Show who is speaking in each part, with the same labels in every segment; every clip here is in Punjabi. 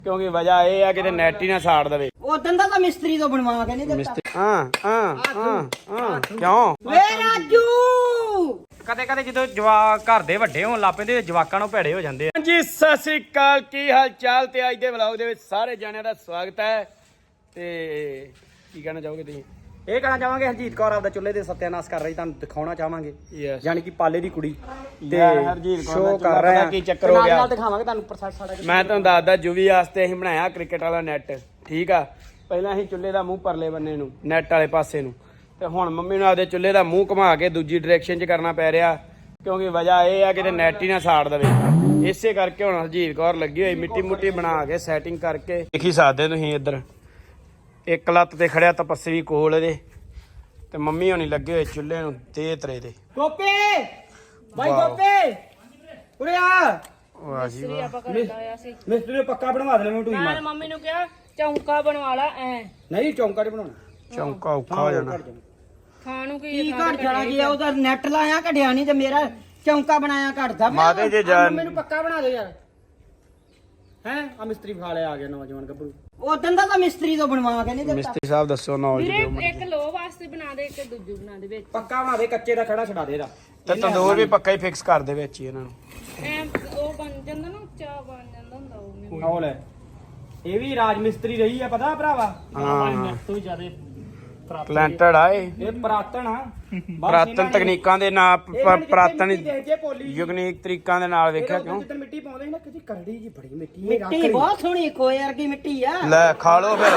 Speaker 1: ਕਿਉਂਕਿ ਵਜ੍ਹਾ ਇਹ ਆ ਕਿ ਨੈਟ ਹੀ ਨਾ ਸਾੜ ਦੇਵੇ।
Speaker 2: ਉਦੋਂ ਦਾ ਤਾਂ ਮਿਸਤਰੀ ਤੋਂ ਬਣਵਾ ਕੇ ਨਹੀਂ ਦਿੱਤਾ।
Speaker 1: ਕਿਉਂ
Speaker 2: ਵੇ ਰਾਜੂ
Speaker 1: ਕਦੇ ਕਦੇ ਜਦੋਂ ਜਵਾਕ ਘਰ ਦੇ ਵੱਡੇ ਹੋਣ ਲੱਗ ਪੈਂਦੇ ਜਵਾਕਾਂ ਨੂੰ ਭੇੜੇ ਹੋ ਜਾਂਦੇ ਆ। ਹਾਂਜੀ ਸਤਿ ਸ੍ਰੀ ਅਕਾਲ, ਕੀ ਹਾਲ ਚਾਲ? ਤੇ ਅੱਜ ਦੇ ਵਲੌਗ ਦੇ ਵਿੱਚ ਸਾਰੇ ਜਣਿਆਂ ਦਾ ਸਵਾਗਤ ਹੈ। ਤੇ ਕੀ ਕਹਿਣਾ ਚਾਹੋਗੇ ਤੁਸੀਂ? ਇਹ ਕਹਿਣਾ ਚਾਹਾਂਗੇ ਹਰਜੀਤ ਕੌਰ ਆਪਦਾ ਚੁੱਲ੍ਹੇ ਦੇ ਸੱਤਿਆਨਾਸ਼ ਕਰ ਰਹੀ, ਤੁਹਾਨੂੰ ਦਿਖਾਉਣਾ ਚਾਹਾਂਗੇ। ਯਾਨੀ ਕਿ ਪਾਲੇ ਦੀ ਕੁੜੀ ਤੇ ਹਰਜੀਤ ਕੌਰ ਕਰ ਰਿਹਾ। ਕੀ ਚੱਕਰ ਹੋ ਗਿਆ ਨਾਲ ਦਿਖਾਵਾਂਗੇ ਤੁਹਾਨੂੰ ਪ੍ਰੋਸੈਸ ਸਾਡਾ। ਮੈਂ ਤੁਹਾਨੂੰ ਦੱਸਦਾ, ਜੁਵੀ ਵਾਸਤੇ ਅਸੀਂ ਬਣਾਇਆ ਕ੍ਰਿਕਟ ਵਾਲਾ ਨੈਟ। ਠੀਕ ਆ, ਪਹਿਲਾਂ ਅਸੀਂ ਚੁੱਲ੍ਹੇ ਦਾ ਮੂੰਹ ਪਰਲੇ ਬੰਨੇ ਨੂੰ ਨੈਟ ਵਾਲੇ ਪਾਸੇ ਨੂੰ, ਤੇ ਹੁਣ ਮੰਮੀ ਨੂੰ ਆਪਦੇ ਚੁੱਲ੍ਹੇ ਦਾ ਮੂੰਹ ਘੁਮਾ ਕੇ ਦੂਜੀ ਡਾਇਰੈਕਸ਼ਨ 'ਚ ਕਰਨਾ ਪੈ ਰਿਹਾ ਕਿਉਂਕਿ ਵਜ੍ਹਾ ਇਹ ਆ ਕਿ ਨੈਟ ਹੀ ਨਾ ਸਾੜ ਦੇਵੇ। ਇਸੇ ਕਰਕੇ ਹੁਣ ਹਰਜੀਤ ਕੌਰ ਲੱਗੀ ਹੋਈ ਮਿੱਟੀ ਮੁੱਟੀ ਬਣਾ ਕੇ ਸੈਟਿੰਗ ਕਰਕੇ। ਦੇਖ ਹੀ ਸਕਦੇ ਤੁਸੀਂ ਇੱਧਰ ਇੱਕ ਲੱਤ ਤੇ ਖੜਿਆ ਤਪੱਸਵੀ ਕੋਲ ਇਹਦੇ, ਤੇ ਮੰਮੀ ਹੋਣੀ ਲੱਗੇ ਹੋਏ ਚੁੱਲ੍ਹੇ ਨੂੰ ਤੇ ਤਰੇ ਦੇ।
Speaker 2: ਗੋਪੇ ਬਾਈ ਗੋਪੇ ਉਰੇ ਆ।
Speaker 1: ਵਾਹ ਜੀ ਵਾਹ,
Speaker 2: ਮਿਸਤਰੀ ਨੇ ਪੱਕਾ ਬਣਵਾ ਦੇਣਾ। ਮੈਂ ਟੂਈ ਮਾਰ
Speaker 3: ਮੰਮੀ ਨੂੰ ਕਿਹਾ ਚੌਂਕਾ ਬਣਵਾ ਲਾ ਐ।
Speaker 2: ਨਹੀਂ ਚੌਂਕਾ ਨਹੀਂ ਬਣਾਉਣਾ,
Speaker 1: ਚੌਂਕਾ ਔਖਾ ਹੋ ਜਾਣਾ।
Speaker 3: ਖਾਣ ਨੂੰ
Speaker 2: ਕੀ ਘੜ ਜਾਣਾ ਜੀ? ਉਹਦਾ ਨੈਟ ਲਾਇਆ ਘੜਿਆ ਨਹੀਂ ਤੇ ਮੇਰਾ ਚੌਂਕਾ ਬਣਾਇਆ ਘੜਦਾ।
Speaker 1: ਮਾਤੇ ਜੇ ਜਾਨ
Speaker 2: ਮੈਨੂੰ ਪੱਕਾ ਬਣਾ ਦਿਓ ਯਾਰ। ਹੈ ਆ ਮਿਸਤਰੀ ਫਾਲੇ ਆ ਗਿਆ ਨੌਜਵਾਨ ਗੱਭਰੂ। ਉਦੋਂ ਦਾ ਤਾਂ ਮਿਸਤਰੀ ਤੋਂ ਬਣਵਾ ਕੇ ਨਹੀਂ ਦਿੱਤਾ।
Speaker 1: ਮਿਸਤਰੀ ਸਾਹਿਬ ਦੱਸੋ ਨੌਲੇਜ ਦਿਓ।
Speaker 3: ਇੱਕ ਲੋ ਵਾਸਤੇ ਬਣਾ ਦੇ, ਇੱਕ ਦੂਜੂ ਬਣਾ ਦੇ ਵਿੱਚ।
Speaker 2: ਪੱਕਾ ਬਣਾ ਦੇ, ਕੱਚੇ ਦਾ ਖੜਾ ਛਡਾ ਦੇ ਇਹਦਾ।
Speaker 1: ਤੇ ਤੰਦੂਰ ਵੀ ਪੱਕਾ ਹੀ ਫਿਕਸ ਕਰ ਦੇ ਵਿੱਚ ਹੀ ਇਹਨਾਂ ਨੂੰ।
Speaker 3: ਐ ਉਹ ਬਣ ਜਾਂਦਾ ਨਾ, ਉੱਚਾ ਬਣ ਜਾਂਦਾ ਹੁੰਦਾ ਉਹ।
Speaker 2: ਉਹ ਲੈ, ਇਹ ਵੀ ਰਾਜ ਮਿਸਤਰੀ ਰਹੀ ਆ ਪਤਾ ਭਰਾਵਾ।
Speaker 1: ਹਾਂ
Speaker 2: ਤੋਂ ਜ਼ਿਆਦਾ
Speaker 1: ਟੈਲੈਂਟਡ ਆ ਇਹ।
Speaker 2: ਇਹ ਪ੍ਰਾਤਨ ਆ।
Speaker 1: ਪ੍ਰਾਤਨ ਤਕਨੀਕਾਂ ਦੇ ਨਾਲ ਪ੍ਰਾਤਨ
Speaker 2: ਜੇ ਪੋਲੀ
Speaker 1: ਯੂਨੀਕ ਤਰੀਕਾਂ ਦੇ ਨਾਲ ਵੇਖਿਆ ਕਿਉਂ।
Speaker 2: ਜਿੱਦਣ ਮਿੱਟੀ ਪਾਉਂਦੇ ਸੀ ਨਾ, ਕਿਤੇ ਕਰੜੀ ਜੀ ਬੜੀ ਮਿੱਟੀ। ਮਿੱਟੀ ਬਹੁਤ ਸੋਹਣੀ ਕੋਏ ਵਰਗੀ ਮਿੱਟੀ ਆ।
Speaker 1: ਲੈ ਖਾ ਲੋ ਫਿਰ,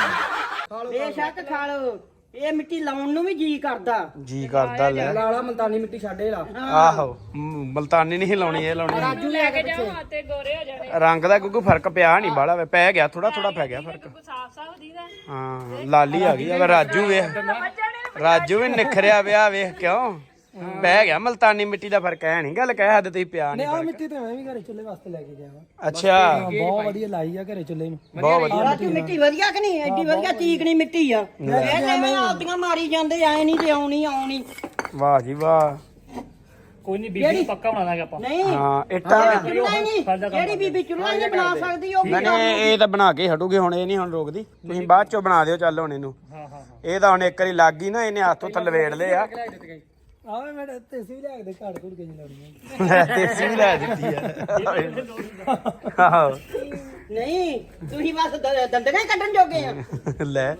Speaker 2: ਬੇਸ਼ੱਕ ਖਾ ਲੋ। ਇਹ ਮਿੱਟੀ ਲਾਉਣ ਨੂੰ ਵੀ ਜੀ ਕਰਦਾ।
Speaker 1: ਜੀ ਕਰਦਾ। ਲੈ
Speaker 2: ਲਾਲਾ ਮਲਤਾਨੀ ਮਿੱਟੀ ਛੱਡੇ ਲਾ।
Speaker 1: ਆਹੋ ਮਲਤਾਨੀ ਨਹੀਂ ਲਾਉਣੀ, ਇਹ ਲਾਉਣੀ।
Speaker 3: ਰਾਜੂ ਲੈ ਕੇ ਜਾਓ ਤੇ ਗੋਰੇ ਹੋ ਜਾਣੇ।
Speaker 1: ਰੰਗ ਦਾ ਕਿਉਂਕਿ ਫਰਕ ਪਿਆ ਨਹੀਂ ਬਾਲਾ, ਪੈ ਗਿਆ ਥੋੜਾ ਥੋੜਾ ਪੈ ਗਿਆ ਫਰਕ।
Speaker 3: ਸਾਫ ਸਾਫ ਦੀਦਾ।
Speaker 1: ਹਾਂ ਲਾਲੀ ਆ ਗਈ ਆ। ਰਾਜੂ ਵੇਖ, ਰਾਜੂ ਵੀ ਨਿਖਰਿਆ ਵਿਆਹ ਵੇਖ ਕਿਉਂ ਪੈ ਗਿਆ। ਮਲਤਾਨੀ ਮਿੱਟੀ ਦਾ ਫਰਕ ਹੈ ਨਹੀਂ, ਗੱਲ ਕਹਿ ਹੱਦ ਤੁਸੀਂ ਪਿਆ ਨਹੀਂ।
Speaker 2: ਆ ਮਿੱਟੀ ਤੇ ਮੈਂ ਵੀ ਘਰੇ ਚੁੱਲ੍ਹੇ ਵਾਸਤੇ ਲੈ ਕੇ ਗਿਆ ਵਾ।
Speaker 1: ਅੱਛਾ
Speaker 2: ਬਹੁਤ ਵਧੀਆ ਲਾਈ ਆ ਘਰੇ ਚੁੱਲ੍ਹੇ ਨੂੰ।
Speaker 1: ਬਹੁਤ ਵਧੀਆ
Speaker 2: ਰਾਜੂ ਮਿੱਟੀ ਵਧੀਆ ਕਿ ਨਹੀਂ? ਐਡੀ ਵਧੀਆ ਚੀਕਣੀ ਮਿੱਟੀ ਆ। ਇਹ ਜਿਵੇਂ ਆਪਦੀਆਂ ਮਾਰੀ ਜਾਂਦੇ ਐ ਨਹੀਂ ਤੇ ਆਉਣੀ।
Speaker 1: ਵਾਹ ਜੀ ਵਾਹ।
Speaker 2: ਕੋਈ ਨਹੀਂ, ਬੀਬੀ ਪੱਕਾ ਬਣਾ ਦਾਂਗੇ ਆਪਾਂ। ਨਹੀਂ
Speaker 1: ਹਾਂ ਇੱਟਾਂ
Speaker 2: ਜਿਹੜੀ ਬੀਬੀ ਚੁੱਲ੍ਹਾ ਨਹੀਂ ਬਣਾ ਸਕਦੀ ਉਹ
Speaker 1: ਨਹੀਂ, ਇਹ ਤਾਂ ਬਣਾ ਕੇ ਹਟੂਗੀ ਹੁਣ, ਇਹ ਨਹੀਂ ਹੁਣ ਰੋਕਦੀ। ਤੁਸੀਂ ਬਾਅਦ ਚੋਂ ਬਣਾ ਦਿਓ ਚੱਲ ਹੁਣ ਇਹਨੂੰ। ਇਹ ਤਾਂ ਹੁਣ ਇੱਕ ਵਾਰੀ ਲੱਗ ਗਈ ਨਾ, ਇਹਨੇ ਹੱਥੋਂ ਥਲਵੇੜ ਲਏ ਆ।
Speaker 2: ਆਵੇ ਮੈਂ ਤੇਸੀ ਵੀ ਲਿਆ ਕੇ ਘੜ ਘੁੜ ਕੇ ਲਾਉਣੀ।
Speaker 1: ਦੇਸੀ ਵੀ ਲੈ ਦਿੱਤੀ ਆ। ਆਹੋ
Speaker 2: ਨਹੀਂ ਤੁਸੀਂ ਬਸ ਦੰਦਗਾ ਹੀ ਕੱਢਣ ਜੋਗੇ ਆ।
Speaker 1: ਲੈ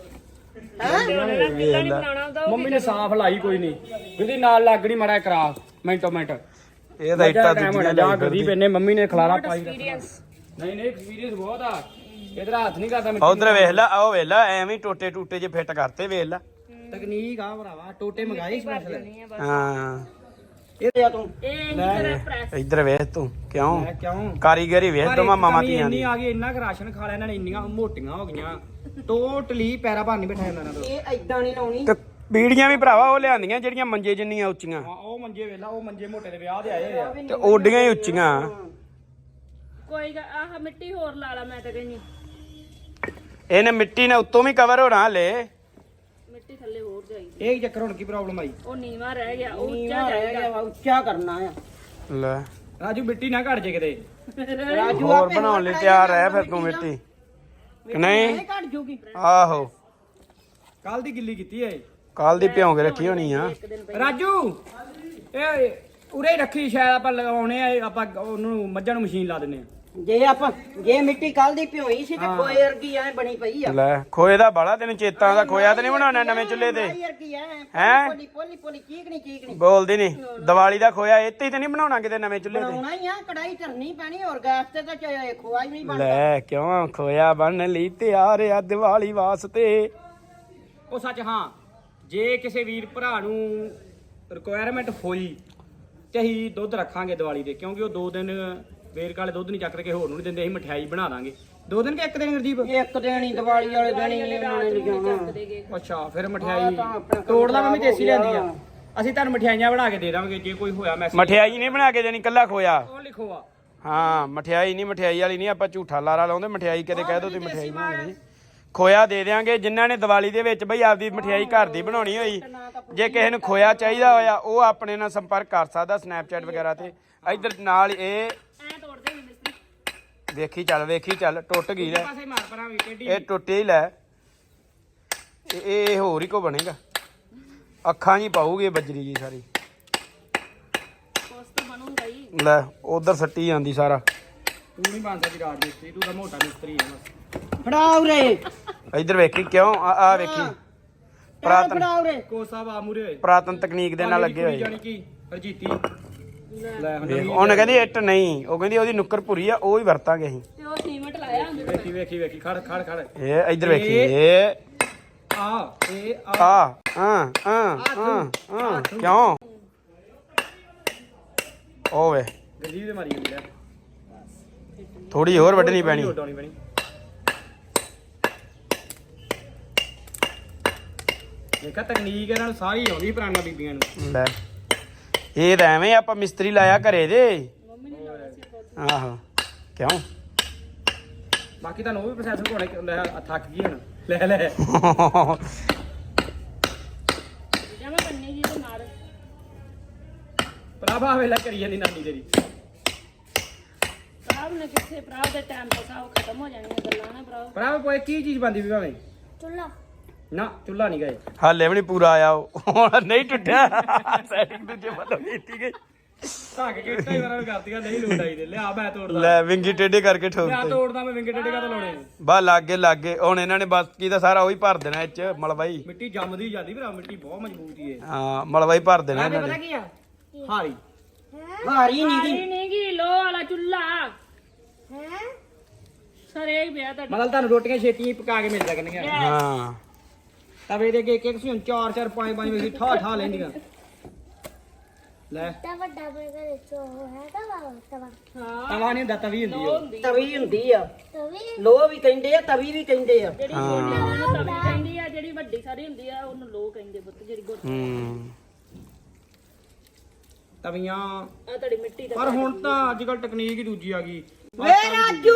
Speaker 2: ਮੰਮੀ ਨੇ ਸਾਫ਼ ਲਾਈ ਕੋਈ ਨਹੀਂ, ਜਿਹਦੀ ਨਾਲ ਲੱਗਣੀ ਮਾੜਾ ਕਰਾ ਮਿੰਟੋ ਮਿੰਟ।
Speaker 1: ਇਹ ਤਾਂ ਇੱਟਾਂ ਦੂਜੀਆਂ
Speaker 2: ਜਾ ਗਰੀਬ ਇਹਨੇ ਮੰਮੀ ਨੇ ਖਲਾਰਾ ਪਾਈ। ਨਹੀਂ ਐਕਸਪੀਰੀਅੰਸ ਬਹੁਤ ਆ। ਇਧਰ ਹੱਥ ਨਹੀਂ ਕਰਦਾ।
Speaker 1: ਉਧਰ ਵੇਖ ਲੈ, ਆਹ ਵੇਖ ਲੈ, ਐਵੇਂ ਟੋਟੇ ਟੂਟੇ ਜੇ ਫਿੱਟ ਕਰਤੇ ਵੇਖ ਲੈ।
Speaker 2: ਤਕਨੀਕ ਆ ਭਰਾਵਾ, ਟੋਟੇ ਮੰਗਾਏ ਸਪੈਸ਼ਲ।
Speaker 1: ਹਾਂ
Speaker 2: ਇਹ ਆ ਤੂੰ
Speaker 1: ਇੱਧਰ ਵੇਖ ਤੂੰ ਕਿਉਂ
Speaker 2: ਕਿਉਂ
Speaker 1: ਕਾਰੀਗਰੀ ਵੇਖ ਤੂੰ ਮਾਮਾ ਧੀਆਂ ਦੀ।
Speaker 2: ਇੰਨੀ ਆ ਗਈ, ਇੰਨਾ ਕੁ ਰਾਸ਼ਨ ਖਾ ਲਿਆ ਇਹਨਾਂ ਨੇ, ਇੰਨੀਆਂ ਮੋਟੀਆਂ ਹੋ ਗਈਆਂ ਟੋਟਲੀ ਪੈਰਾ ਭਰ ਨਹੀਂ ਬਿਠਾਇਆ ਇਹਨਾਂ ਤੋਂ। ਇਹ ਐਦਾਂ ਨਹੀਂ ਲਾਉਣੀ।
Speaker 1: ਤੇ ਬੀੜੀਆਂ ਵੀ ਭਰਾਵਾ ਉਹ ਲਿਆਂਦੀਆਂ ਜਿਹੜੀਆਂ ਮੰਜੇ ਜਿੰਨੀਆਂ ਉੱਚੀਆਂ।
Speaker 2: ਉਹ ਮੰਜੇ ਵੇਲਾ, ਉਹ ਮੰਜੇ ਮੋਟੇ ਦੇ ਵਿਆਹ ਦੇ ਆਏ ਆ
Speaker 1: ਤੇ ਓਡੀਆਂ ਹੀ ਉੱਚੀਆਂ।
Speaker 3: ਕੋਈ ਆਹ ਮਿੱਟੀ ਹੋਰ ਲਾ ਲਾ, ਮੈਂ ਤਾਂ ਕਹਿੰਦੀ
Speaker 1: ਇਹਨੇ ਮਿੱਟੀ ਨੇ ਉੱਤੋਂ ਵੀ ਕਵਰ ਹੋਣਾ ਹਲੇ।
Speaker 3: ਮਿੱਟੀ ਥੱਲੇ ਹੋਰ ਜਾਈਦੀ।
Speaker 2: ਇਹ ਚੱਕਰ ਹੁਣ ਕੀ ਪ੍ਰੋਬਲਮ ਆਈ?
Speaker 3: ਉਹ ਨੀਵਾ ਰਹਿ ਗਿਆ, ਉਹ
Speaker 2: ਉੱਚਾ ਰਹਿ ਗਿਆ ਵਾ, ਉੱਚਾ ਕਰਨਾ ਆ।
Speaker 1: ਲੈ
Speaker 2: ਰਾਜੂ ਮਿੱਟੀ ਨਾ ਘੜ ਜੇ ਕਿਤੇ।
Speaker 1: ਹੋਰ ਬਣਾਉਣ ਲਈ ਤਿਆਰ ਹੈ ਫਿਰ ਤੂੰ ਮਿੱਟੀ ਕਿ ਨਹੀਂ?
Speaker 2: ਘੜ ਜੂਗੀ।
Speaker 1: ਆਹੋ
Speaker 2: ਕੱਲ ਦੀ ਗਿੱਲੀ ਕੀਤੀ ਏ,
Speaker 1: ਕੱਲ ਦੀ ਭਿਉਂ ਕੇ ਰੱਖੀ ਹੋਣੀ ਆ।
Speaker 2: ਰਾਜੂ ਇਹ ਉਰੇ ਹੀ ਰੱਖੀ, ਸ਼ਾਇਦ ਆਪਾਂ ਲਗਾਉਣੇ ਆ। ਆਪਾਂ ਉਹਨੂੰ ਮੱਝਾਂ ਨੂੰ ਮਸ਼ੀਨ ਲਾ ਦਿੰਨੇ ਆ। ਜੇ ਮਿੱਟੀ ਕੱਲ ਦੀ ਭਿਉਈ ਸੀ ਤੇ ਖੋਏ ਵਰਗੀ ਐ ਬਣੀ ਪਈ ਆ।
Speaker 1: ਲੈ ਖੋਏ ਦਾ ਬਾਲਾ ਤੈਨੂੰ ਚੇਤਾ ਦਾ, ਖੋਇਆ ਤੇ ਨਹੀਂ ਬਣਾਉਣਾ ਨਵੇਂ ਚੁੱਲ੍ਹੇ ਤੇ?
Speaker 2: ਹੈਂ? ਪੋਲੀ ਚੀਕਣੀ
Speaker 1: ਬੋਲਦੀ ਨਹੀਂ। ਦੀਵਾਲੀ ਦਾ ਖੋਇਆ ਇੱਥੇ ਤੇ ਨਹੀਂ ਬਣਾਉਣਾ ਕਿਤੇ ਨਵੇਂ ਚੁੱਲ੍ਹੇ ਤੇ?
Speaker 2: ਬਣਾਉਣਾ ਹੀ ਆ, ਕੜਾਈ ਧਰਨੀ ਪੈਣੀ। ਹੋਰ ਗੈਸ ਤੇ ਤਾਂ ਖੋਆ ਹੀ ਨਹੀਂ ਬਣਦਾ।
Speaker 1: ਲੈ ਕਿਉਂ ਖੋਇਆ ਬਣ ਲਈ ਤਿਆਰ ਆ ਦੀਵਾਲੀ ਵਾਸਤੇ।
Speaker 2: ਉਹ ਸੱਚ ਹਾਂ, ਜੇ ਕਿਸੇ ਵੀਰ ਭਰਾ ਨੂੰ ਰਿਕੁਆਇਰਮੈਂਟ ਹੋਈ ਤੇ ਅਸੀਂ ਦੁੱਧ ਰੱਖਾਂਗੇ ਦੀਵਾਲੀ ਦੇ, ਕਿਉਂਕਿ ਉਹ 2 ਦਿਨ ਵੇਰਕ ਵਾਲੇ ਦੁੱਧ ਨਹੀਂ ਚੱਕ ਕੇ ਹੋਰ ਨੂੰ ਨਹੀਂ ਦਿੰਦੇ। ਅਸੀਂ ਮਠਿਆਈ ਬਣਾ ਦਾਂਗੇ 2 ਦਿਨ ਕਿ 1 ਦਿਨ ਗਰਦੀਪ? 1 ਦਿਨ ਹੀ, ਦੀਵਾਲੀ ਵਾਲੇ ਦਿਨ ਹੀ ਉਹਨਾਂ ਨੇ ਲਿਜਾਣਾ। ਅੱਛਾ ਫਿਰ ਮਠਿਆਈ ਤੋੜ ਲਾ ਮੰਮੀ, ਦੇਸੀ ਲਿਆਂਦੀ ਆ। ਅਸੀਂ ਤੁਹਾਨੂੰ ਮਠਿਆਈਆਂ ਬਣਾ ਕੇ ਦੇ ਦਾਂਗੇ ਜੇ ਕੋਈ ਹੋਇਆ ਮੈਸੇਜ।
Speaker 1: ਮਠਿਆਈ ਨਹੀਂ ਬਣਾ ਕੇ ਦੇਣੀ, ਕੱਲਾ ਖੋਇਆ।
Speaker 2: ਉਹ ਲਿਖੋ ਆ।
Speaker 1: ਹਾਂ ਮਠਿਆਈ ਨਹੀਂ, ਮਠਿਆਈ ਵਾਲੀ ਨਹੀਂ। ਆਪਾਂ ਝੂਠਾ ਲਾਰਾ ਲਾਉਂਦੇ ਮਠਿਆਈ, ਕਦੇ ਕਹਿ ਦੋ ਤੁਸੀਂ ਮਠਿਆਈ ਬਣਾਉਣੀ। ਖੋਇਆ ਦੇ ਦਿਆਂਗੇ ਜਿਨ੍ਹਾਂ ਨੇ ਦੀਵਾਲੀ ਦੇ ਵਿੱਚ ਬਈ ਆਪਦੀ ਮਠਿਆਈ ਘਰ ਦੀ ਬਣਾਉਣੀ ਹੋਈ। ਜੇ ਕਿਸੇ ਨੂੰ ਖੋਇਆ ਚਾਹੀਦਾ ਹੋਇਆ ਉਹ ਆਪਣੇ ਨਾਲ ਸੰਪਰਕ ਕਰ ਸਕਦਾ ਸਨੈਪਚੈਟ ਵਗੈਰਾ ਤੇ। ਇੱਧਰ ਨਾਲ ਇਹ ਵੇਖੀ ਚੱਲ ਟੁੱਟ ਗਈ ਲੈ
Speaker 2: ਪਾਸੇ ਮਾਰ ਪਰਾਂ ਵੀ ਟੇਢੀ
Speaker 1: ਇਹ ਟੁੱਟੇ ਹੀ ਲੈ ਇਹ ਹੋਰ ਹੀ ਕੋ ਬਣੇਗਾ ਅੱਖਾਂ ਜੀ ਪਾਉਗੀ ਬਜਰੀ ਜੀ ਸਾਰੀ
Speaker 3: ਕੁਛ ਤਾਂ ਬਣੂਗਾ ਹੀ।
Speaker 1: ਲੈ ਉਧਰ ਸੱਟੀ ਜਾਂਦੀ ਸਾਰਾ
Speaker 2: ਤੂੰ ਨਹੀਂ ਬਣ ਸਕਦੀ ਰਾਜ ਮਿਸਤਰੀ ਤੂੰ ਤਾਂ ਮੋਟਾ ਮਿਸਤਰੀ ਹੈ ਬਸ
Speaker 4: ਫੜਾ ਉਰੇ
Speaker 1: ਇੱਧਰ ਵੇਖੀ ਕਿਉਂ ਆ ਵੇਖੀ ਪੁਰਾਤਨ
Speaker 4: ਫੜਾ ਉਰੇ
Speaker 2: ਕੋਸਾ ਵਾ ਮੂਰੇ ਹੋਏ
Speaker 1: ਪੁਰਾਤਨ ਤਕਨੀਕ ਦੇ ਨਾਲ ਲੱਗੇ ਹੋਏ
Speaker 2: ਜਾਨੀ ਕੀ ਹਰਜੀਤੀ ਲੈ ਹੁਣ
Speaker 1: ਵੇਖ, ਉਹਨੇ ਕਹਿੰਦੀ ਇੱਟ ਨਹੀਂ ਉਹ ਕਹਿੰਦੀ ਉਹਦੀ ਨੁੱਕਰ ਭੁਰੀ ਆ ਉਹ ਹੀ ਵਰਤਾਂਗੇ ਅਸੀਂ
Speaker 3: ਤੇ ਉਹ ਸੀਮਟ ਲਾਇਆ ਹੁੰਦੇ
Speaker 2: ਵੇਖੀ ਖੜ
Speaker 1: ਇਹ ਇੱਧਰ ਵੇਖੀ ਇਹ
Speaker 2: ਆ ਇਹ
Speaker 1: ਕਿਉਂ ਓਵੇ
Speaker 2: ਗਰੀਬ ਦੇ ਮਾਰੀ ਜਾਂਦੀ ਹੈ
Speaker 1: ਥੋੜੀ ਹੋਰ ਵੱਢਣੀ ਪੈਣੀ
Speaker 2: ਉਡਾਉਣੀ ਪੈਣੀ ਦੇਖਾ ਤਕਨੀਕ ਇਹਨਾਂ ਨੂੰ ਸਾਰੀ ਆਉਂਦੀ ਪੁਰਾਣੀਆਂ ਬੀਬੀਆਂ ਨੂੰ
Speaker 1: ਲੈ ਇਹ ਤਾਂ ਐਵੇਂ ਆਪਾਂ ਮਿਸਤਰੀ ਲਾਇਆ ਘਰੇ ਦੇ ਆਹੋ ਕਿਉਂ
Speaker 2: ਬਾਕੀ ਤੁਹਾਨੂੰ ਉਹ ਵੀ ਪ੍ਰੋਸੈਸ ਘੋੜੇ ਲੈ ਥੱਕ ਗਈ ਹੁਣ ਲੈ
Speaker 3: ਜਮਾ ਬੰਨੀ ਜੀ ਤੇ ਮਾਰ
Speaker 2: ਪ੍ਰਭਾ ਵੇਲਾ ਕਰੀ ਜਾਂਦੀ ਨਾਨੀ ਤੇਰੀ
Speaker 3: ਪ੍ਰਾਭ ਨੇ ਕਿੱਥੇ ਪ੍ਰਾਭ ਦੇ ਟਾਈਮ ਤੋਂ ਸਭ ਖਤਮ ਹੋ ਜਾਣੀਆਂ ਗੱਲਾਂ ਨਾ ਪ੍ਰਾਭ
Speaker 2: ਪ੍ਰਭ ਕੋਈ ਕੀ ਚੀਜ਼ ਬੰਦੀ ਵੀ ਭਾਵੇਂ
Speaker 3: ਚੁੱਲਾ
Speaker 2: ਨਾ ਚੁੱਲਾ ਨਹੀਂ ਗਏ
Speaker 1: ਹਾਲੇ ਵੀ ਨਹੀਂ ਪੂਰਾ ਆਇਆ ਉਹ ਹੁਣ ਨਹੀਂ ਟੁੱਟਿਆ ਸੈਟਿੰਗ ਦੂਜੇ ਵੱਲੋਂ ਕੀਤੀ ਗਈ
Speaker 2: ਧੱਕ ਕੇ ਕਈ ਵਾਰ ਕਰਤੀਆਂ ਨਹੀਂ ਲੋਟ ਆਈ ਦੇ ਲਿਆ ਮੈਂ ਤੋੜਦਾ
Speaker 1: ਲੈ ਵਿੰਗੀ ਟੇਢੇ ਕਰਕੇ
Speaker 2: ਮੈਂ
Speaker 1: ਠੋਕਤੇ
Speaker 2: ਤੋੜਦਾ ਮੈਂ ਵਿੰਗੇ ਟੇਡੇ ਕਾ ਲਾਉਣੇ
Speaker 1: ਬਾ ਲਾਗੇ ਹੁਣ ਇਹਨਾਂ ਨੇ ਬਸ ਕੀ ਤਾਂ ਸਾਰਾ ਉਹੀ ਭਰ ਦੇਣਾ ਇਹ ਚ ਮਲਵਾਈ
Speaker 2: ਮਿੱਟੀ ਜੰਮਦੀ ਜਾਂਦੀ ਭਰਾ ਮਿੱਟੀ ਬਹੁਤ ਮਜ਼ਬੂਤ ਹੀ ਹੈ
Speaker 1: ਹਾਂ ਮਲਵਾਈ ਭਰ ਦੇਣਾ ਇਹਨਾਂ
Speaker 2: ਪਤਾ
Speaker 1: ਨੇ
Speaker 2: ਕੀ ਆ ਹਾਰੀ
Speaker 4: ਹਾਰੀ ਨਹੀਂ
Speaker 3: ਸਾਰੀ ਨਹੀਂ ਗੀ ਲੋ ਵਾਲਾ ਚੁੱਲਾ ਹੈ ਸਰੇ ਹੀ ਪਿਆ ਤੁਹਾਡਾ
Speaker 2: ਮਤਲਬ ਤੁਹਾਨੂੰ ਰੋਟੀਆਂ ਛੇਤੀ ਪਕਾ ਕੇ ਮਿਲ ਸਕਣਗੀਆਂ
Speaker 1: ਹਾਂ
Speaker 2: ਤਵੇ ਦੇ ਅੱਗੇ ਇੱਕ ਸੀ ਹੁਣ 4 5 ਵਜੇ ਠਾ ਲੈਂਦੀਆਂ ਲੈ
Speaker 5: ਵੱਡਾ ਬਰਗਰ ਚੋ ਹੈ ਤਵਾ
Speaker 2: ਤਵਾ ਨਹੀਂ ਹੁੰਦਾ ਤਵੀ ਹੁੰਦੀ ਉਹ
Speaker 4: ਤਵੀ ਹੁੰਦੀ ਆ
Speaker 5: ਤਵੀ
Speaker 4: ਲੋਹ ਵੀ ਕਹਿੰਦੇ ਆ ਤਵੀ ਵੀ ਕਹਿੰਦੇ ਆ
Speaker 3: ਜਿਹੜੀ ਛੋਟੀ ਉਹਨੂੰ ਤਵੀ ਕਹਿੰਦੀ ਆ ਜਿਹੜੀ ਵੱਡੀ ਸਾਰੀ ਹੁੰਦੀ ਆ ਉਹਨੂੰ ਲੋ ਕਹਿੰਦੇ ਪੁੱਤ ਜਿਹੜੀ ਗੋਟੀ
Speaker 1: ਹੂੰ
Speaker 2: ਤਵੀਆਂ
Speaker 3: ਆ ਤੁਹਾਡੀ ਮਿੱਟੀ ਦਾ
Speaker 2: ਪਰ ਹੁਣ ਤਾਂ ਅੱਜ ਕੱਲ ਟੈਕਨੀਕ ਹੀ ਦੂਜੀ ਆ ਗਈ
Speaker 4: ਵੇ ਰਾਜੂ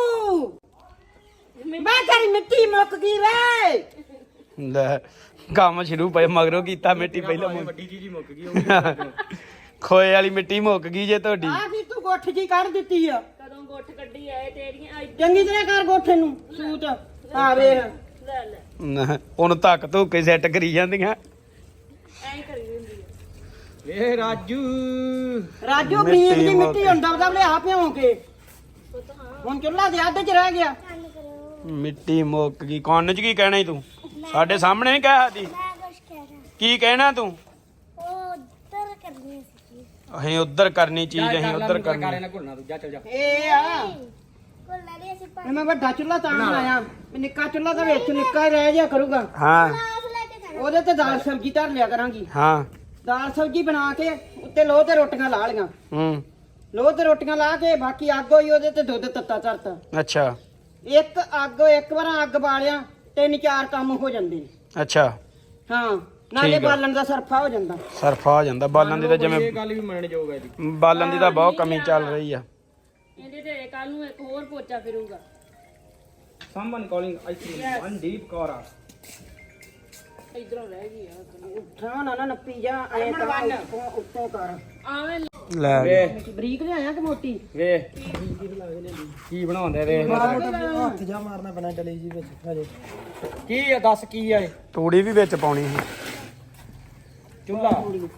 Speaker 4: ਮੈਂ ਤੇਰੀ ਮਿੱਟੀ ਮੁੱਕ ਗਈ ਵੇ
Speaker 1: ਲੈ ਕੰਮ ਸ਼ੁਰੂ ਪਏ ਮਗਰੋਂ ਕੀਤਾ ਮਿੱਟੀ ਪਹਿਲਾਂ
Speaker 2: ਵੱਡੀ ਚੀਜ਼ ਹੀ ਮੁੱਕ ਗਈ ਉਹ ਵੀ
Speaker 1: ਖੋਏ ਵਾਲੀ ਮਿੱਟੀ ਮੁੱਕ ਗਈ ਜੇ ਤੁਹਾਡੀ
Speaker 4: ਆ ਕੀ ਤੂੰ ਗੋਠ ਜੀ ਕੱਢ ਦਿੱਤੀ ਆ
Speaker 3: ਕਦੋਂ ਗੁੱਠ ਕੱਢੀ ਆਏ ਤੇਰੀਆਂ
Speaker 4: ਚੰਗੀ ਤਰ੍ਹਾਂ ਕਰ ਗੋਠੇ ਨੂੰ ਸੂਤ ਆ ਵੇਖ
Speaker 3: ਲੈ ਲੈ
Speaker 1: ਨਾ, ਉਹਨੂੰ ਧੱਕ ਧੁੱਕੇ ਸੈੱਟ ਕਰੀ ਜਾਂਦੀਆਂ
Speaker 3: ਐਂ ਕਰੀ ਹੁੰਦੀ ਆ
Speaker 2: ਵੇ ਰਾਜੂ
Speaker 4: ਰਾਜੂ ਗਰੀਬ ਦੀ ਮਿੱਟੀ ਹੁੰਦਾ ਉਹਦਾ ਲਿਆ ਭਿਉਂ ਕੇ ਹੁਣ ਚੁੱਲ੍ਹਾ ਦੇ ਅੱਧ ਚ ਰਹਿ ਗਿਆ
Speaker 1: ਮਿੱਟੀ ਮੁੱਕ ਗਈ ਕੰਨ 'ਚ ਕੀ ਕਹਿਣਾ ਈ ਤੂੰ ਸਾਡੇ ਸਾਹਮਣੇ ਨਹੀਂ ਕਹਿ ਸਕਦੀ
Speaker 5: ਮੈਂ ਕੁਛ ਕਹਿ ਰਿਹਾ
Speaker 1: ਕੀ ਕਹਿਣਾ ਤੂੰ
Speaker 5: ਉਹ ਉੱਧਰ ਕਰਨੀ ਸੀ
Speaker 1: ਅਸੀਂ ਉੱਧਰ ਕਰਨੀ ਚੀਜ਼ ਅਸੀਂ ਉੱਧਰ
Speaker 2: ਕਾਰੇ
Speaker 1: ਕਰਨੀ
Speaker 2: ਨਾ ਘੁਲਣਾ ਤੂੰ ਜਾ ਚੱਲ ਜਾ
Speaker 4: ਇਹ ਆ
Speaker 5: ਕੋਲ ਲੈ ਅਸੀਂ
Speaker 4: ਇਹ ਮੈਂ ਵੱਡਾ ਚੁੱਲ੍ਹਾ ਤਾਂ ਬਣਾਇਆ ਵੀ ਨਿੱਕਾ ਚੁੱਲ੍ਹਾ ਤਾਂ ਵਿੱਚ ਨਿੱਕਾ ਹੀ ਰਹਿ ਜਾ ਕਰੂਗਾ
Speaker 1: ਹਾਂ
Speaker 5: ਪਾਸ ਲੈ ਕੇ ਜਾਣਾ
Speaker 4: ਉਹਦੇ ਤੇ ਦਾਲ ਸਬਜ਼ੀ ਧਰ ਲਿਆ ਕਰਾਂਗੀ
Speaker 1: ਹਾਂ
Speaker 4: ਦਾਲ ਸਬਜ਼ੀ ਬਣਾ ਕੇ ਉੱਤੇ ਲੋਹ ਤੇ ਰੋਟੀਆਂ ਲਾ ਲੀਆਂ
Speaker 1: ਹੂੰ
Speaker 4: ਲੋਹ ਤੇ ਰੋਟੀਆਂ ਲਾ ਕੇ ਬਾਕੀ ਅੱਗ ਹੋਈ ਉਹਦੇ ਤੇ ਦੁੱਧ ਤੱਤਾ ਧਰਤਾ
Speaker 1: ਅੱਛਾ
Speaker 4: ਇੱਕ ਵਾਰ ਅੱਗ ਬਾਲਿਆ 3-4 ਕੰਮ ਹੋ ਜਾਂਦੇ ਨੇ।
Speaker 1: ਅੱਛਾ
Speaker 4: ਹਾਂ ਨਾਲੇ
Speaker 1: ਠੀਕ ਆ।
Speaker 4: ਬਾਲਣ ਦਾ ਸਰਫਾ ਹੋ ਜਾਂਦਾ
Speaker 1: ਸਰਫਾ ਆ ਜਾਂਦਾ ਬਾਲਣ ਦੀ ਤਾਂ
Speaker 2: ਇਹ
Speaker 1: ਜਿਵੇਂ
Speaker 2: ਗੱਲ ਵੀ ਮੰਨਣ ਯੋਗ ਹੈ ਜੀ
Speaker 1: ਬਾਲਣ ਦੀ ਤਾਂ ਬਹੁਤ ਕਮੀ ਚੱਲ ਰਹੀ ਆ
Speaker 3: ਇਹਦੇ ਤੇ ਕੱਲ ਨੂੰ ਇੱਕ ਹੋਰ ਪੋਚਾ ਫਿਰੂਗਾ
Speaker 2: someone calling I think Mandeep Kaur ਆ
Speaker 3: ਇਧਰੋਂ ਰਹਿ ਗਈ ਆ
Speaker 4: ਉੱਠਾਂ ਨਾ ਨੱਪੀ ਜਾ ਐ ਉੱਤੋਂ ਕਰ
Speaker 3: ਆਵੇਂ
Speaker 1: ਲੈ
Speaker 2: ਵੇ
Speaker 4: ਬਰੀਕ ਲਿਆਇਆ ਕਿ ਮੋਟੀ
Speaker 2: ਵੇ ਕੀ ਬਣਾਉਂਦੇ ਵੇ
Speaker 4: ਹੱਥ ਜਾ ਮਾਰਨਾ ਪੈਣਾ ਡਲੀ ਜੀ ਵਿੱਚ ਹਜੇ
Speaker 2: ਕੀ ਆ ਦੱਸ ਕੀ ਆ ਇਹ
Speaker 1: ਤੂੜੀ ਵੀ ਵਿੱਚ ਪਾਉਣੀ ਸੀ
Speaker 2: ਚੁੱਲਾ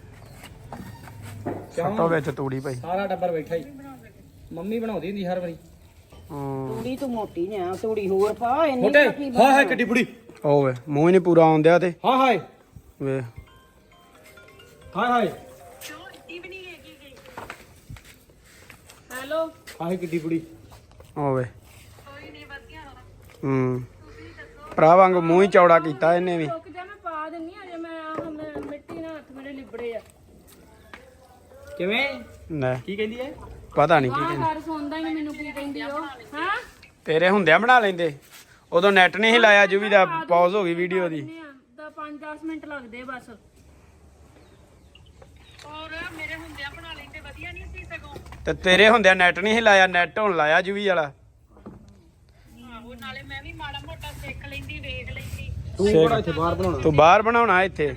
Speaker 1: ਸੱਟੋ ਵਿੱਚ ਤੂੜੀ ਪਈ
Speaker 2: ਸਾਰਾ ਟੱਬਰ ਬੈਠਾ ਹੀ ਮੰਮੀ ਬਣਾਉਂਦੀ ਹੁੰਦੀ ਹਰ ਵਾਰੀ
Speaker 1: ਹੂੰ
Speaker 4: ਤੂੜੀ ਤੂੰ ਮੋਟੀ ਨੇ ਆ ਤੂੜੀ ਹੋਰ ਪਾ ਇੰਨੀ
Speaker 2: ਮੋਟੇ
Speaker 4: ਪਤਲੀ
Speaker 2: ਹਾਏ ਹਾਏ ਕਿੱਡੀ ਬੁੜੀ
Speaker 1: ਓਏ ਮੂੰਹ ਹੀ ਨਹੀਂ ਪੂਰਾ ਆਉਂਦਿਆ ਤੇ
Speaker 2: ਹਾਏ ਹਾਏ
Speaker 1: ਵੇ
Speaker 2: ਹਾਏ ਹਾਏ
Speaker 3: ਹੈਲੋ
Speaker 2: ਹਾਏ ਕਿੱਡੀ ਬੁੜੀ
Speaker 1: ਓਏ ਹੂੰ ਭਰਾ ਵਾਂਗ ਮੂੰਹ ਹੀ ਚੌੜਾ ਕੀਤਾ ਇਹਨੇ ਵੀ
Speaker 3: ਰੁਕ ਜਾ ਮੈਂ ਪਾ ਦਿੰਨੀ ਅਜੇ ਮੈਂ ਮਿੱਟੀ ਨਾਲ ਹੱਥ ਮੇਰੇ ਲਿਬੜੇ ਆ
Speaker 2: ਕਿਵੇਂ
Speaker 1: ਲੈ
Speaker 2: ਕੀ ਕਹਿੰਦੀ ਐ
Speaker 1: ਪਤਾ ਨਹੀਂ ਕੀ
Speaker 3: ਆਹ
Speaker 1: ਕਹਿੰਦੇ
Speaker 3: ਘਰ ਸੌਂਦਾ ਹੀ ਨੀ ਮੈਨੂੰ ਕੀ ਕਹਿੰਦੀ ਉਹ ਹਾਂ
Speaker 1: ਤੇਰੇ ਹੁੰਦਿਆਂ ਬਣਾ ਲੈਂਦੇ ਉਦੋਂ ਨੈਟ ਨਹੀਂ ਸੀ ਲਾਇਆ ਜੁਵੀ ਦਾ ਪੌਜ਼ ਹੋ ਗਈ ਵੀਡੀਓ ਦੀ
Speaker 3: ਤਾਂ 5-10 ਮਿੰਟ ਲੱਗਦੇ ਬਸ ਔਰ ਮੇਰੇ ਹੁੰਦਿਆਂ ਬਣਾ ਲੈਂਦੇ ਵਧੀਆ ਨਹੀਂ ਸੀ ਸਗੋਂ
Speaker 1: ਤੇ ਤੇਰੇ ਹੁੰਦਿਆਂ ਨੈਟ ਨਹੀਂ ਸੀ ਲਾਇਆ ਨੈਟ ਹੁਣ ਲਾਇਆ ਜੁਵੀ ਵਾਲਾ
Speaker 3: ਆਹੋ ਨਾਲੇ ਮੈਂ ਵੀ ਮਾੜਾ ਮੋਟਾ ਸਿੱਖ ਲੈਂਦੀ ਵੇਖ ਲੈਂਦੀ
Speaker 2: ਤੂੰ ਬੜਾ ਇੱਥੇ ਬਾਹਰ ਬਣਾਉਣਾ
Speaker 1: ਤੂੰ ਬਾਹਰ ਬਣਾਉਣਾ ਇੱਥੇ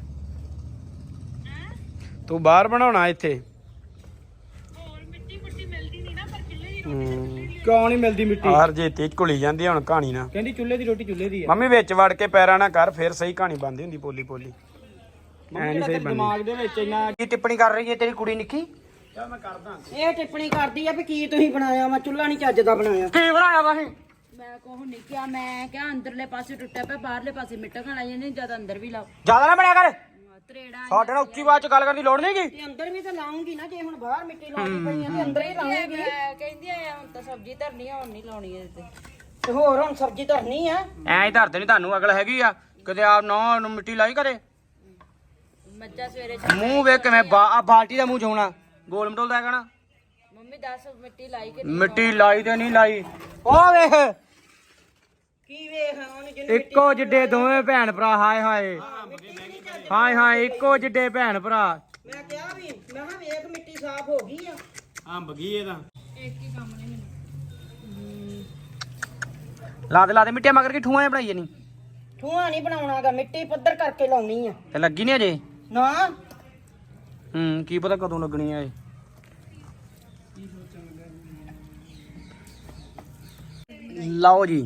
Speaker 1: ਤੂੰ ਬਾਹਰ ਬਣਾਉਣਾ ਇੱਥੇ
Speaker 3: ਹੋਰ ਮਿੱਟੀ ਮੁੱਟੀ ਮਿਲਦੀ ਨਹੀਂ ਨਾ ਪਰ ਕਿੱਲੇ ਦੀ
Speaker 1: ਹੂੰ
Speaker 2: ਕਿਉਂ ਨਹੀਂ ਮਿਲਦੀ ਮਿੱਟੀ
Speaker 1: ਹਾਰ ਜੇ ਤੇ ਘੁਲੀ ਜਾਂਦੀ ਆ ਹੁਣ ਕਹਾਣੀ ਨਾ।
Speaker 2: ਕਹਿੰਦੀ ਚੁੱਲ੍ਹੇ ਦੀ ਰੋਟੀ ਚੁੱਲ੍ਹੇ ਦੀ ਆ।
Speaker 1: ਮੰਮੀ ਵਿੱਚ ਵੜ ਕੇ ਪੈਰਾਂ ਨਾਲ ਕਰ ਫਿਰ ਸਹੀ ਕਹਾਣੀ ਬਣਦੀ ਹੁੰਦੀ ਪੋਲੀ ਪੋਲੀ। ਐ ਨਹੀਂ ਸਹੀ ਬਣਦੀ।
Speaker 2: ਦਿਮਾਗ ਦੇ ਵਿੱਚ ਇੰਨਾ
Speaker 1: ਕੀ ਟਿੱਪਣੀ ਕਰ ਰਹੀ ਹੈ ਤੇਰੀ ਕੁੜੀ ਨਿੱਕੀ?
Speaker 2: ਚੱਲ ਮੈਂ ਕਰਦਾ।
Speaker 4: ਇਹ ਟਿੱਪਣੀ ਕਰਦੀ ਆ ਵੀ ਕੀ ਤੁਸੀਂ ਬਣਾਇਆ ਵਾ ਚੁੱਲ੍ਹਾ ਨਹੀਂ ਚੱਜ ਦਾ ਬਣਾਇਆ।
Speaker 1: ਕੀ ਬਣਾਇਆ ਵਾ ਇਹ?
Speaker 3: ਮੈਂ ਕੋਹ ਨਹੀਂ ਕਿਹਾ, ਮੈਂ ਕਿਹਾ ਅੰਦਰਲੇ ਪਾਸੇ ਟੁੱਟਿਆ ਪਿਆ, ਬਾਹਰਲੇ ਪਾਸੇ ਮਿੱਟਾ ਖਾਣਾ ਜਾਂਦੇ ਜਿਆਦਾ ਅੰਦਰ ਵੀ ਲਾਓ।
Speaker 1: ਜ਼ਿਆਦਾ ਨਾ ਬਣਿਆ ਕਰ।
Speaker 3: ਤਰੇੜਾ
Speaker 1: ਸਾਡੇ ਨਾਲ ਉੱਚੀ ਆਵਾਜ਼ ਚ ਗੱਲ ਕਰਨ ਦੀ ਲੋੜ ਨਹੀਂਗੀ।
Speaker 4: ਤੇ ਅੰਦਰ ਵੀ ਤਾਂ ਲਾਉਂਗੀ ਨਾ, ਜੇ ਹੁਣ ਬਾਹਰ ਮਿੱਟੀ ਲਾਉਣੀ ਪਈ ਆ ਤੇ ਅੰਦਰ ਹੀ ਲਾਉਂਗੀ।
Speaker 3: ਕਹਿੰਦੀ ਆ ਹੁਣ ਤਾਂ ਸਬਜ਼ੀ ਧਰਨੀ ਆ, ਹੁਣ ਨਹੀਂ ਲਾਉਣੀ ਇਹਦੇ
Speaker 4: ਤੇ ਹੋਰ ਹੁਣ ਸਬਜ਼ੀ ਧਰਨੀ ਆ।
Speaker 1: ਐਂ ਹੀ ਧਰਦੇ ਨਹੀਂ, ਤੁਹਾਨੂੰ ਅਗਲ ਹੈਗੀ ਆ ਕਿਤੇ ਆਪ ਨਾ ਨੂੰ ਮਿੱਟੀ ਲਾਈ ਕਰੇ।
Speaker 3: ਮੱਝਾਂ ਸਵੇਰੇ
Speaker 1: ਮੂੰਹ ਵੇਖ ਕਿਵੇਂ ਬਾਲਟੀ ਦਾ ਮੂੰਹ ਚੋਣਾ ਗੋਲ ਮਟੋਲ ਦਾ ਕਹਿਣਾ।
Speaker 3: ਮੰਮੀ ਦੱਸ ਮਿੱਟੀ ਲਾਈ ਕਿ
Speaker 1: ਮਿੱਟੀ ਲਾਈ ਤੇ ਨਹੀਂ ਲਾਈ। ਉਹ ਵੇਖ
Speaker 4: ਕੀ ਵੇਖ ਉਹਨੇ ਜਿਹਨੂੰ
Speaker 1: ਇੱਕੋ ਜਿੱਡੇ ਦੋਵੇਂ ਭੈਣ ਭਰਾ। ਹਾਏ ਹਾਏ ਹਾਏ ਹਾਏ ਇੱਕੋ ਜਿੱਡੇ ਭੈਣ ਭਰਾ।
Speaker 4: ਮੈਂ ਕਿਹਾ ਵੀ ਮੈਂ ਕਿਹਾ ਵੇਖ ਮਿੱਟੀ ਸਾਫ਼ ਹੋ ਗਈ ਆ।
Speaker 2: ਅੰਬ ਗਈ ਇਹਦਾ।
Speaker 1: ਲਾ ਦੇ ਮਿੱਟੀਆਂ ਮਗਰ ਕੀ ਠੂਆਂ ਬਣਾਈਏ ਨਹੀਂ
Speaker 4: ਠੂਆ ਨਹੀਂ ਬਣਾਉਣਾਗਾ, ਮਿੱਟੀ ਪੱਧਰ ਕਰਕੇ ਲਾਉਣੀ ਆ।
Speaker 1: ਤੇ ਲੱਗੀ ਨਹੀਂ ਅਜੇ।
Speaker 4: ਨਾ
Speaker 1: ਕੀ ਪਤਾ ਕਦੋਂ ਲੱਗਣੀ ਆ ਇਹ। ਲਓ ਜੀ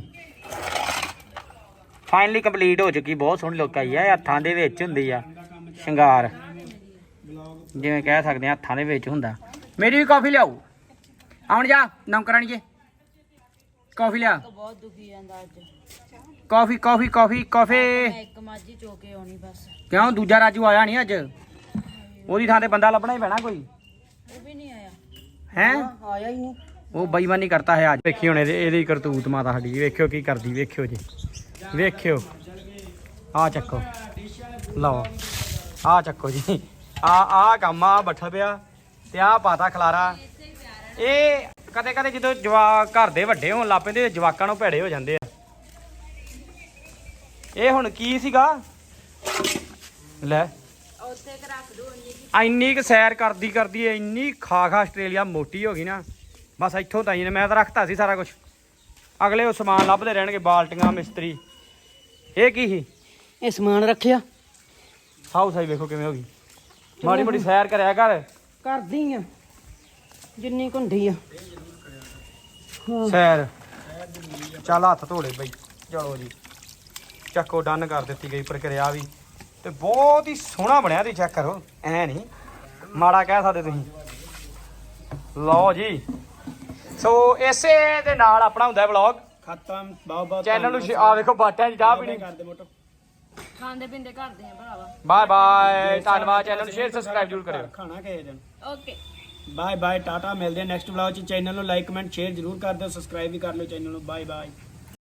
Speaker 1: ਫਾਈਨਲੀ ਕੰਪਲੀਟ ਹੋ ਚੁੱਕੀ। ਬਹੁਤ ਸੋਹਣੀ ਲੁੱਕ ਆਈ ਹੈ। ਹੱਥਾਂ ਦੇ ਵਿੱਚ ਹੁੰਦੀ ਆ ਸ਼ਿੰਗਾਰ, ਜਿਵੇਂ ਕਹਿ ਸਕਦੇ ਆ ਹੱਥਾਂ ਦੇ ਵਿੱਚ ਹੁੰਦਾ। ਮੇਰੀ ਵੀ ਕਾਫੀ ਲਿਆਓ। ਆਉਣ ਜਾ ਨੌਕਰਾਣੀਏ ਕਾਫੀ ਲਿਆ।
Speaker 3: ਬਹੁਤ ਦੁਖੀ ਜਾਂਦਾ ਅੱਜ।
Speaker 1: ਕਾਫੀ ਕਾਫੀ ਕਾਫੀ ਕਾਫੀ।
Speaker 3: ਮੈਂ ਇੱਕ ਮਾਝੀ ਚੋ ਕੇ ਆਉਣੀ ਬਸ।
Speaker 1: ਕਿਉਂ ਦੂਜਾ ਰਾਜੂ ਆਇਆ ਨਹੀਂ ਅੱਜ? ਉਹਦੀ ਥਾਂ ਤੇ ਬੰਦਾ ਲੱਭਣਾ ਹੀ ਪੈਣਾ ਕੋਈ।
Speaker 3: ਉਹ ਵੀ ਨਹੀਂ ਆਇਆ।
Speaker 1: ਹੈ
Speaker 4: ਆਇਆ ਹੀ ਨਹੀਂ।
Speaker 1: ਉਹ ਬੇਈਮਾਨੀ ਕਰਤਾ ਹੈ ਅੱਜ। ਵੇਖੀ ਹੁਣ ਇਹਦੀ ਕਰਤੂਤ ਮਾਤਾ ਸਾਡੀ। ਵੇਖਿਓ ਕੀ ਕਰਦੀ, ਵੇਖਿਓ ਜੀ ਵੇਖਿਓ। ਆ ਚੱਕੋ, ਲਓ ਆ ਚੱਕੋ ਜੀ। ਆ ਕੰਮ ਆ ਬੱਠਲ ਪਿਆ ਤੇ ਆ ਪਾਤਾ ਖਲਾਰਾ। ਇਹ ਕਦੇ ਕਦੇ ਜਦੋਂ ਜਵਾਕ ਘਰ ਦੇ ਵੱਡੇ ਹੋਣ ਲੱਗ ਪੈਂਦੇ ਜਵਾਕਾਂ ਨੂੰ ਭੇੜੇ ਹੋ ਜਾਂਦੇ ਆ। ਇਹ ਹੁਣ ਕੀ ਸੀਗਾ ਲੈ
Speaker 3: ਉੱਥੇ ਕਿ ਰੱਖ ਦੋ
Speaker 1: ਇੰਨੀ ਕੁ ਸੈਰ ਕਰਦੀ ਕਰਦੀ ਇੰਨੀ ਖਾ ਆਸਟ੍ਰੇਲੀਆ ਮੋਟੀ ਹੋ ਗਈ ਨਾ। ਬਸ ਇੱਥੋਂ ਤਾਈ ਨੇ ਮੈਂ ਤਾਂ ਰੱਖਤਾ ਸੀ ਸਾਰਾ ਕੁਝ। ਅਗਲੇ ਉਹ ਸਮਾਨ ਲੱਭਦੇ ਰਹਿਣਗੇ, ਬਾਲਟੀਆਂ ਮਿਸਤਰੀ। ਇਹ ਕੀ ਸੀ?
Speaker 4: ਇਹ ਸਮਾਨ ਰੱਖਿਆ
Speaker 1: ਹਾਊਸ ਆਈ ਵੇਖੋ ਕਿਵੇਂ ਹੋ ਗਈ। ਮਾੜੀ ਮੋਟੀ ਸੈਰ ਕਰਿਆ ਕਰ।
Speaker 4: ਕਰਦੀ ਆ ਜਿੰਨੀ ਕੁੰਡੀ ਆ।
Speaker 1: ਸੈਰ ਚੱਲ ਹੱਥ ਧੋਲੇ ਬਈ। ਚਲੋ ਜੀ ਚੱਕੋ ਡਨ ਕਰ ਦਿੱਤੀ ਗਈ ਪ੍ਰਕਿਰਿਆ ਵੀ। ਤੇ ਬਹੁਤ ਹੀ ਸੋਹਣਾ ਬਣਿਆ। ਤੁਸੀਂ ਚੈੱਕ ਕਰੋ, ਐ ਨਹੀਂ ਮਾੜਾ ਕਹਿ ਸਕਦੇ ਤੁਸੀਂ। ਲਓ ਜੀ ਸੋ ਇਸੇ ਦੇ ਨਾਲ ਆਪਣਾ ਹੁੰਦਾ ਵਲੌਗ
Speaker 2: ਖਤਮ। ਬਹੁਤ ਬਹੁਤ
Speaker 1: ਚੈਨਲ ਨੂੰ ਆ ਵੇਖੋ ਬਾਟਿਆਂ 'ਚ ਚਾਹ ਪੀਣੀ।
Speaker 2: ਕਰਦੇ ਮੋਟੋ।
Speaker 3: ਖਾਂਦੇ ਪੀਂਦੇ ਕਰਦੇ ਆ ਭਰਾਵਾ।
Speaker 1: ਬਾਏ ਬਾਏ ਧੰਨਵਾਦ। ਚੈਨਲ ਨੂੰ ਸ਼ੇਅਰ ਸਬਸਕ੍ਰਾਈਬ ਜ਼ਰੂਰ ਕਰਿਓ।
Speaker 2: ਖਾਣਾ ਕਿਸੇ ਦਿਨ।
Speaker 3: Okay
Speaker 2: bye bye tata. ਮਿਲਦੇ ਆ ਨੈਕਸਟ ਵਲੌਗ ਚ। ਚੈਨਲ ਨੂੰ ਲਾਈਕ ਕਮੈਂਟ ਸ਼ੇਅਰ ਜ਼ਰੂਰ ਕਰ ਦਿਓ। ਸਬਸਕ੍ਰਾਈਬ ਵੀ ਕਰ ਲਿਓ ਚੈਨਲ ਨੂੰ। Bye bye.